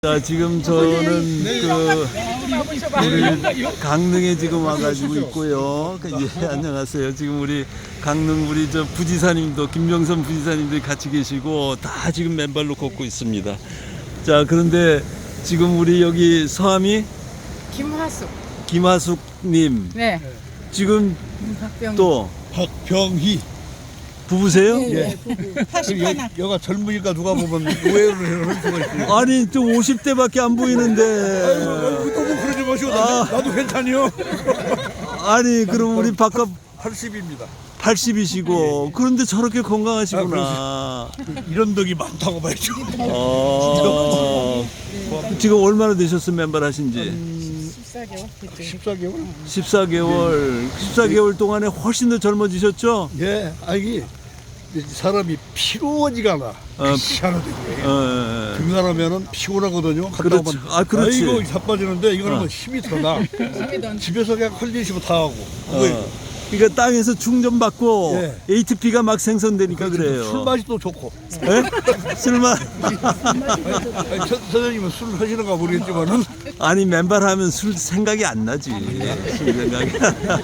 자, 지금 저는 우리 강릉에 지금 와가지고 있고요. 예, 안녕하세요. 지금 우리 강릉 우리 저 부지사님도 김명선 부지사님들이 같이 계시고 다 지금 맨발로 걷고 있습니다. 자, 그런데 지금 우리 여기 성함이 김하숙님. 네. 지금 박병희. 또 박병희. 부부세요? 예. 81. 여가 젊으니까 누가 보면 오해를 할 수가 있어요. 아니 또 50대밖에 안 보이는데. 너무 그러지 마시오. 나도 괜찮이요. 아니 그럼 우리 바깥 80입니다. 80이시고 그런데 저렇게 건강하시구나. 이런 덕이 많다고 봐야죠. 지금 얼마나 되셨어요 맨발 하신지? 14개월 됐죠. 14개월? 14개월 동안에 훨씬 더 젊어지셨죠? 예. 아니 사람이 피로하지가 않아. 희한하더라고요. 등산하면은 피곤하거든요. 갔다 그렇죠. 오면 아, 그렇지. 아이고 자빠지는데 이거는 뭐 힘이 더 나. 집에서 그냥 컬리시고 다 하고. 그러니까 땅에서 충전받고 예. ATP가 막 생성되니까 그래요. 술 맛이 또 좋고. 예? 술맛? 선생님은 술 하시는가 모르겠지만은 아니 맨발하면 술 생각이 안 나지. 술 생각이.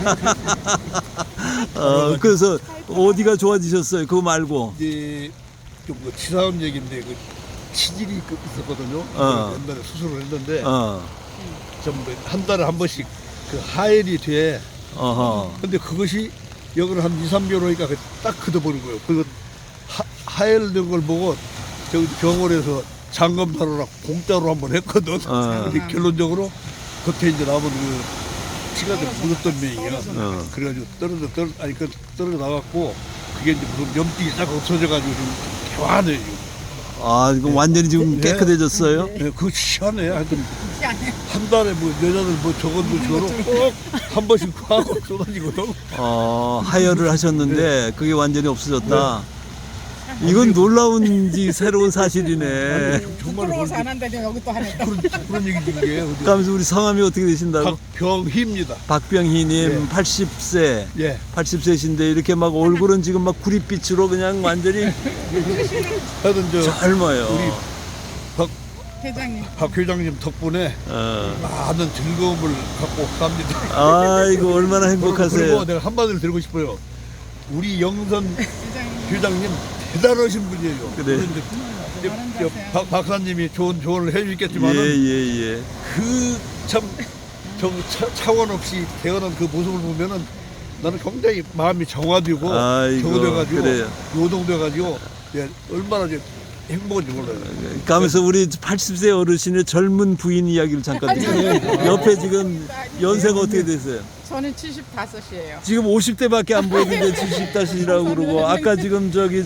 그래서 어디가 좋아지셨어요? 그거 말고. 이제 좀뭐 치사한 얘기인데 그 치질이 있었거든요. 옛날에 수술을 했는데 전부 한 달에 한 번씩 그 하혈이 돼. 근데 그것이 여기는 한 2, 3개월 오니까 딱 걷어버린 거예요. 그리고 하혈된 걸 보고 저기 병원에서 장검사로랑 공짜로 한번 했거든. 근데 결론적으로 겉에 이제 남은 그 피가 좀 묻었던 면이야. 그래가지고 떨어져 나갔고 그게 이제 무슨 염증이 딱 없어져가지고 좀 개화해요. 아, 이거 완전히 지금 깨끗해졌어요? 네, 그거 희한해. 하여튼 한 달에 뭐 여자들 뭐 저것도 저로 꼭 한 번씩 하고 쏟아지거든. 하혈을 하셨는데 그게 완전히 없어졌다. 이건 놀라운지 새로운 사실이네. 부끄러워서 안 한다니 여기 또 하네. 그런 얘기지 이게. 그러면서 우리 성함이 어떻게 되신다고? 박병희입니다. 박병희님 예. 80세. 예. 80세신데 이렇게 막 얼굴은 지금 막 구릿빛으로 그냥 완전히 하여튼 저 젊어요. 우리 회장님. 박 회장님 덕분에 많은 즐거움을 갖고 삽니다. 아이고 얼마나 행복하세요. 그리고 내가 한마디를 드리고 싶어요. 우리 영선 회장님 대단하신 분이에요. 그래. 이제 박 박사님이 좋은 조언을 해주겠지만은 예. 그 참 차원 없이 태어난 그 모습을 보면은 나는 굉장히 마음이 정화되고 정화돼가지고 그래요. 요동돼가지고 얼마나 이제 행복한지 몰라요. 가면서 우리 80세 어르신의 젊은 부인 이야기를 잠깐 듣죠. 옆에 지금 연세가 어떻게 되세요? 저는 75이에요. 지금 50대밖에 안 보이는데 70다시라고 그러고 아까 지금 저기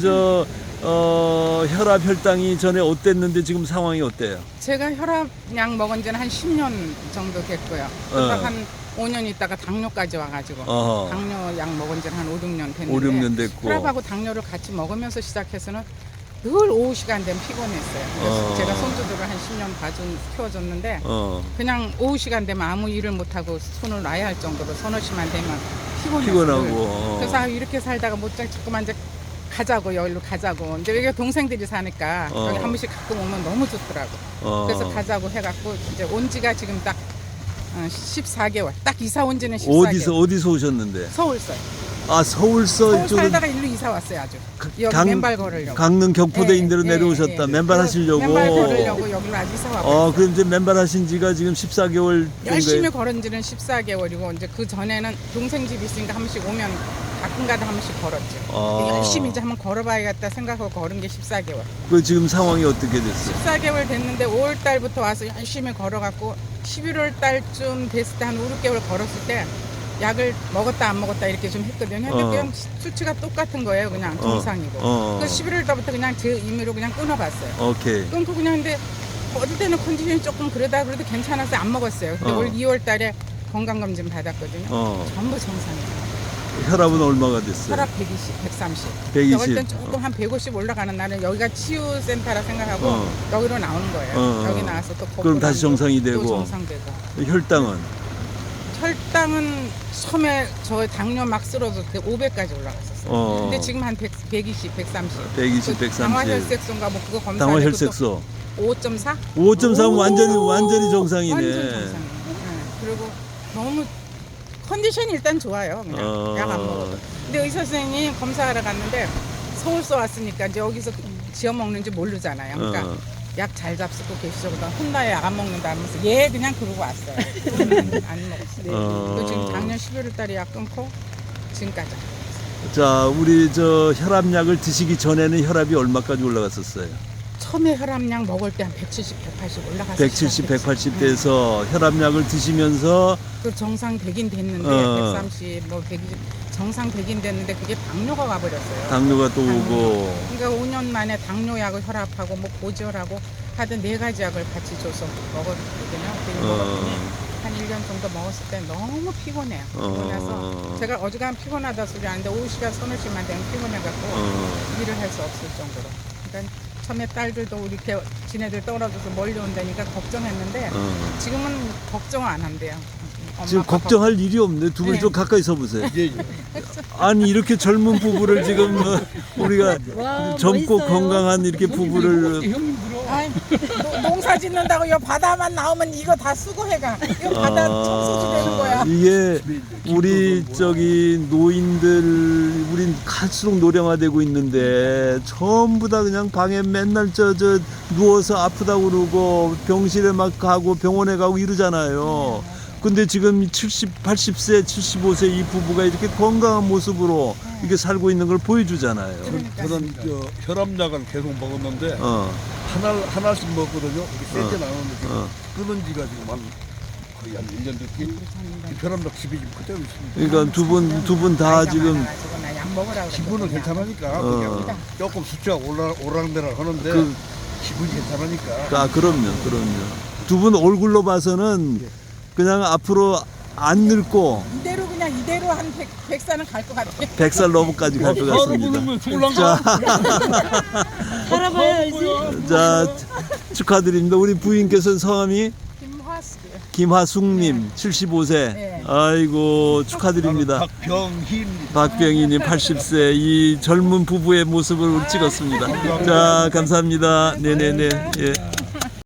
혈압 혈당이 전에 어땠는데 지금 상황이 어때요? 제가 혈압약 먹은 지는 한 10년 정도 됐고요. 그러다 한 5년 있다가 당뇨까지 와가지고 당뇨약 먹은 지는 한 5, 6년 됐는데 5, 6년 됐고 혈압하고 당뇨를 같이 먹으면서 시작해서는 늘 오후 시간 되면 피곤했어요. 그래서 제가 손주들을 한 10년 키워줬는데 그냥 오후 시간 되면 아무 일을 못하고 손을 놔야 할 정도로 서너 시만 되면 피곤하고 그래서 이렇게 살다가 자꾸만 이제 가자고 여기로 가자고 이제 여기 동생들이 사니까 여기 한 번씩 가끔 오면 너무 좋더라고. 그래서 가자고 해갖고 이제 온 지가 지금 딱 14개월. 딱 이사 온 지는 14개월. 어디서 오셨는데? 서울서. 서울 살다가 일로 이사 왔어요 아주. 여기 맨발 걸으려고. 강릉 경포대인대로 내려오셨다. 맨발 하시려고. 맨발 걸으려고 여기로 아주 이사 왔고. 그럼 이제 맨발 하신 지가 지금 14개월 열심히 걸은 지는 14개월이고 이제 그 전에는 동생 집이 있으니까 한 번씩 오면 가끔가다 한 번씩 걸었죠. 열심히 이제 한번 걸어봐야겠다 생각하고 걸은 게 14개월. 그 지금 상황이 어떻게 됐어요? 14개월 됐는데 5월 달부터 와서 열심히 걸어갖고 11월 달쯤 됐을 때 한 5, 6개월 걸었을 때 약을 먹었다 안 먹었다 이렇게 좀 했거든요. 근데 그냥 수치가 똑같은 거예요. 그냥 정상이고. 그래서 11월 달부터 그냥 제 임의로 그냥 끊어봤어요. 오케이. 끊고 그냥 근데 어떨 때는 컨디션이 조금 그러다 그래도 괜찮아서 안 먹었어요. 근데 올 2월 달에 건강검진 받았거든요. 전부 정상이에요. 혈압은 얼마가 됐어요? 혈압 120, 130. 120. 어떨 땐 조금 한 150 올라가는 날은 여기가 치유센터라 생각하고 여기로 나오는 거예요. 여기 나와서 또 그럼 다시 정상이 되고. 또 정상되고. 혈당은? 혈당은 처음에 저 당뇨 막 쓰러졌을 때 500까지 올라갔었어요. 근데 지금 한 120, 130. 120, 130. 당화혈색소인가 뭐 그거 검사하고 당화혈색소. 5.4? 5.3 완전히 정상이네. 완전 정상이에요. 네. 그리고 너무 컨디션이 일단 좋아요. 그냥 약 안 먹어도. 근데 의사 선생님이 검사하러 갔는데 서울서 왔으니까 이제 여기서 지어 먹는지 모르잖아요. 그러니까 약 잘 잡수고 계시저보다 혼나요. 약 안 먹는다 하면서 얘 그냥 그러고 왔어요. 안 먹었어요. 그 지금 작년 11월 달에 약 끊고 지금까지. 자, 우리 저 혈압약을 드시기 전에는 혈압이 얼마까지 올라갔었어요? 처음에 혈압약 먹을 때 한 170, 180 올라갔어요. 170, 180 돼서 혈압약을 드시면서 그 정상 100인 됐는데 130, 뭐 120 정상 100인 됐는데 그게 당뇨가 와버렸어요. 당뇨가 또 오고. 그러니까 5년 만에 당뇨약을 혈압하고 뭐 고지혈하고 하여튼 4가지 약을 같이 줘서 먹었거든요. 그래서 먹었더니 한 1년 정도 먹었을 때 너무 피곤해요. 그래서 제가 어지간 피곤하다 소리 하는데 오후 시간 서너 시만 되면 피곤해갖고 일을 할 수 없을 정도로. 그러니까 처음에 딸들도 우리 지네들 떨어져서 멀리 온다니까 걱정했는데 지금은 걱정 안 한대요. 지금 걱정할 일이 없네. 두 분이 네. 좀 가까이 서 보세요. 예, 아니 이렇게 젊은 부부를 지금 우리가 젊고 멋있어요. 건강한 이렇게 부부를 아이, 농사 짓는다고 이 바다만 나오면 이거 다 수고해가. 이거 바다 청소지 되는 거야. 이게 우리 저기 노인들 우린 갈수록 노령화되고 있는데 전부 다 그냥 방에 맨날 저 누워서 아프다고 그러고 병실에 막 가고 병원에 가고 이러잖아요. 근데 지금 70, 80세, 75세 이 부부가 이렇게 건강한 모습으로 이렇게 살고 있는 걸 보여주잖아요. 저는 혈압약을 계속 먹었는데 하나씩 먹거든요. 이게 세게 나오는데 끊은 지가 지금 한 거의 한 1년 됐기. 혈압약 집이 지금 그대로 있습니다. 그러니까 두 분 다 지금 약 먹으라고 기분은 그랬거든요. 괜찮으니까 그냥 조금 수치가 오락내락 하는데 기분이 괜찮으니까. 그럼요. 두 분 얼굴로 봐서는 그냥 앞으로 안 늙고 이대로 그냥 이대로 한 100살은 갈 것 같아요. 100살 넘어까지 갈 것 같습니다. 살아봐야지. 자, 축하드립니다. 우리 부인께서는 성함이 김화숙이요. 김하숙님 75세. 네. 아이고 축하드립니다. 박병희님 80세 이 젊은 부부의 모습을 우리 찍었습니다. 자 감사합니다. 네네네. 예.